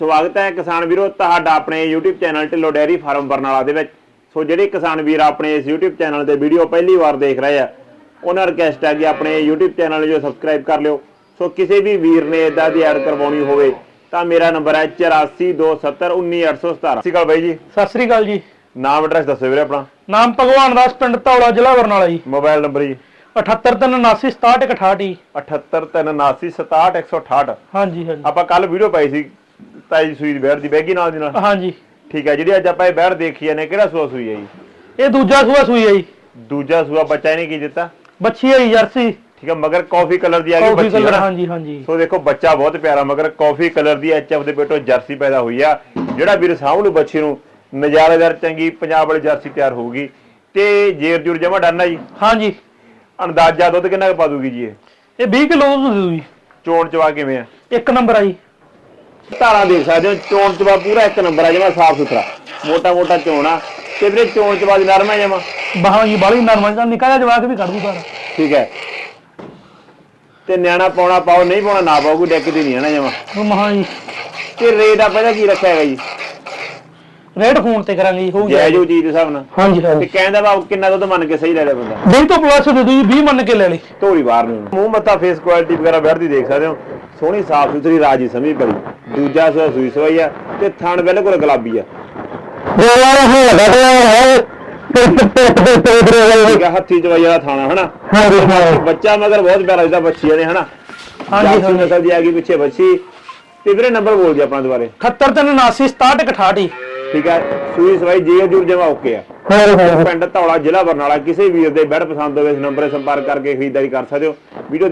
ਸਵਾਗਤ ਹੈ ਕਿਸਾਨ ਵੀਰੋ ਤੁਹਾਡਾ ਆਪਣੇ YouTube channel Dhillon dairy farm Barnala ਦੇ ਵਿੱਚ। ਸੋ ਜਿਹੜੇ ਕਿਸਾਨ ਵੀਰ ਆਪਣੇ ਇਸ YouTube ਚੈਨਲ ਤੇ ਵੀਡੀਓ ਪਹਿਲੀ ਵਾਰ ਦੇਖ ਰਹੇ ਆ ਉਹਨਾਂ ਰਿਕਵੈਸਟ ਹੈ ਕਿ ਆਪਣੇ YouTube ਚੈਨਲ ਨੂੰ ਸਬਸਕ੍ਰਾਈਬ ਕਰ ਲਿਓ। ਸੋ ਕਿਸੇ ਵੀ ਵੀਰ ਨੇ ਇਦਾਂ ਦੀ ਐਡ ਕਰਵਾਉਣੀ ਹੋਵੇ ਤਾਂ ਮੇਰਾ ਨੰਬਰ ਹੈ 8427191817। ਸਤਿ ਸ਼੍ਰੀ ਅਕਾਲ ਬਾਈ ਜੀ। ਸਤਿ ਸ੍ਰੀ ਅਕਾਲ ਜੀ। ਨਾਮ ਐਡਰੈਸ ਦੱਸੋ ਵੀਰੇ ਆਪਣਾ। ਨਾਮ ਭਗਵਾਨ ਦਾਸ, ਪਿੰਡ ਧੌਲਾ, ਜ਼ਿਲ੍ਹਾ ਬਰਨਾਲਾ ਜੀ। ਮੋਬਾਈਲ ਨੰਬਰ ਜੀ 7837866168 7837866168। ਹਾਂਜੀ ਹਾਂਜੀ ਆਪਾਂ ਕੱਲ ਵੀਡੀਓ ਪਾਈ ਸੀ ਤਾਈ ਸੂਈ ਬੈੜ ਦੀ ਬੈਗੀ ਨਾਲ ਦੀ ਨਾਲ। ਹਾਂਜੀ ਠੀਕ ਹੈ, ਜਿਹੜੀ ਅੱਜ ਆਪਾਂ ਇਹ ਬੈੜ ਦੇਖੀ ਜਾਂਦੇ ਕਿਹੜਾ ਸੂਆ ਸੂਈ ਹੈ ਜੀ? ਇਹ ਦੂਜਾ ਸੂਆ ਸੂਈ ਹੈ ਜੀ। ਦੂਜਾ ਸੂਆ। ਬੱਚਾ ਇਹਨੇ ਕੀ ਦਿੱਤਾ? ਬੱਚੀ ਹੈ ਜੀ, ਜਰਸੀ। ਠੀਕ ਹੈ, ਮਗਰ ਕਾਫੀ ਕਲਰ ਦੀ ਆ ਗਈ ਕਾਫੀ ਬੱਚੀ ਕਲਰ। ਹੈ। ਹਾਂਜੀ ਹਾਂਜੀ। ਸੋ ਦੇਖੋ ਬੱਚਾ ਬਹੁਤ ਪਿਆਰਾ ਮਗਰ ਕਾਫੀ ਕਲਰ ਦੀ ਐਚਐਫ ਦੇ ਪੇਟੋਂ ਜਰਸੀ ਪੈਦਾ ਹੋਈ ਆ। ਜਿਹੜਾ ਵੀਰ ਸਾਹਮਣੇ ਬੱਚੀ ਨੂੰ ਨਜ਼ਾਰੇਦਾਰ ਚੰਗੀ ਪੰਜਾਬ ਵਾਲੀ ਜਰਸੀ ਤਿਆਰ ਹੋਊਗੀ ਤੇ ਜੇਰ ਜੁਰ ਜਮਾ ਡਾਨਾ ਜੀ। ਹਾਂਜੀ। ਅੰਦਾਜ਼ਾ ਦੁੱਧ ਕਿੰਨਾ ਕੁ ਪਾ ਦੂਗੀ ਜੀ ਇਹ? ਇਹ 20 ਕਿਲੋ ਦੁੱਧ ਦੇਊ ਜੀ। ਚੋਣ ਚਵਾ ਕਿਵੇਂ ਆ? ਇੱਕ ਨੰਬਰ ਆ ਜੀ। ਧਾਰਾਂ ਦੇਖ ਸਕਦੇ ਹੋ, ਚੋਣ ਚਵਾ ਪੂਰਾ ਇੱਕ ਨੰਬਰ ਆ, ਜਮਾ ਸਾਫ ਸੁਥਰਾ ਮੋਟਾ ਮੋਟਾ ਚੋਣ ਆ ਤੇ ਵੀਰੇ ਚੋਣ ਚਵਾ ਦੀ ਨਰਮ ਆ ਜਮਾ। ਬਾਹਾਂ ਜੀ ਬਾਲੀ ਨਰਮ ਆ, ਨਿੱਕਾ ਜਿਹਾ ਜਵਾਕ ਵੀ ਕੱਢ ਦੂ ਸਾਰਾ। ਠੀਕ ਹੈ, ਤੇ ਨਿਆਣਾ ਪਾਉਣਾ ਪਾਓ, ਨਹੀਂ ਪਾਉਣਾ ਨਾ ਪਾਓ, ਕੋਈ ਡੈਕਦੀ ਨਹੀਂ ਹੈ ਨਾ ਜਮਾ। ਮਹਾਂ ਜੀ। ਤੇ ਰੇਟ ਆਪਾਂ ਇਹਦਾ ਕੀ ਰੱਖਿਆ ਹੈਗਾ ਜੀ? ਰੇਟ ਫੋਨ ਤੇ ਕਰਾਂਗੇ ਜੀ, ਹੋਊ ਜਾਇਜ਼ ਉਹ ਚੀਜ਼ ਦੇ ਹਿਸਾਬ ਨਾਲ। ਹਾਂਜੀ ਤੇ ਹਾਂਜੀ। ਕਹਿੰਦਾ ਵਾ ਕਿੰਨਾ ਦੁੱਧ ਮੰਨ ਕੇ ਸਹੀ ਲੈ ਲਿਆ ਬੰਦਾ? 20 ਤੋਂ ਪਲੱਸ ਦੇ ਦੂ ਜੀ, 20 ਮੰਨ ਕੇ ਲੈ ਲਈ। ਧੋਰੀ ਬਾਹਰ ਨੂੰ ਮੂੰਹ ਮੱਥਾ ਫੇਸ ਕੁਆਲਿਟੀ ਵਗੈਰਾ ਬੈਠਦੀ ਦੇਖ ਸਕਦੇ ਹੋ, ਸੋਹਣੀ ਸਾਫ ਸੁਥਰੀ ਰਾਜੀ ਸਮਝ ਪੜੀ। ਦੂਜਾ ਸੂਆ ਸੂਈ ਸਵਾਈ ਆ ਤੇ ਥਣ ਬਿਲਕੁਲ ਗੁਲਾਬੀ ਆ। ਠੀਕ ਆ, ਹੱਥੀ ਚਵਾਈ ਵਾਲਾ ਥਾਣਾ ਹਨਾ। ਬੱਚਾ ਮਗਰ ਬਹੁਤ ਪਿਆਰਾ ਜਿਹਦਾ ਬੱਚੀਆਂ ਨੇ ਹਨਾ। ਹਾਂਜੀ ਨਸਲ ਦੀ ਆ ਗਈ ਪਿੱਛੇ ਬੱਚੀ। ਤੇ ਵੀਰੇ ਨੰਬਰ ਬੋਲ ਜੀ ਆਪਣਾ ਦੁਬਾਰੇ। 7837866168। ਠੀਕ ਹੈ, ਸੂਈ ਸਵਾਈ ਜੇਰ ਜੁਰ ਜਮਾ ਓਕੇ ਆ। ਪਿੰਡ ਧੌਲਾ, ਜ਼ਿਲ੍ਹਾ ਬਰਨਾਲਾ। ਕਿਸੇ ਵੀਰ ਦੇ ਬੈਡ ਪਸੰਦ ਹੋਵੇ ਇਸ ਨੰਬਰ 'ਤੇ ਸੰਪਰਕ ਕਰਕੇ ਖਰੀਦਦਾਰੀ ਕਰ ਸਕਦੇ ਹੋ। ਵੀਡੀਓ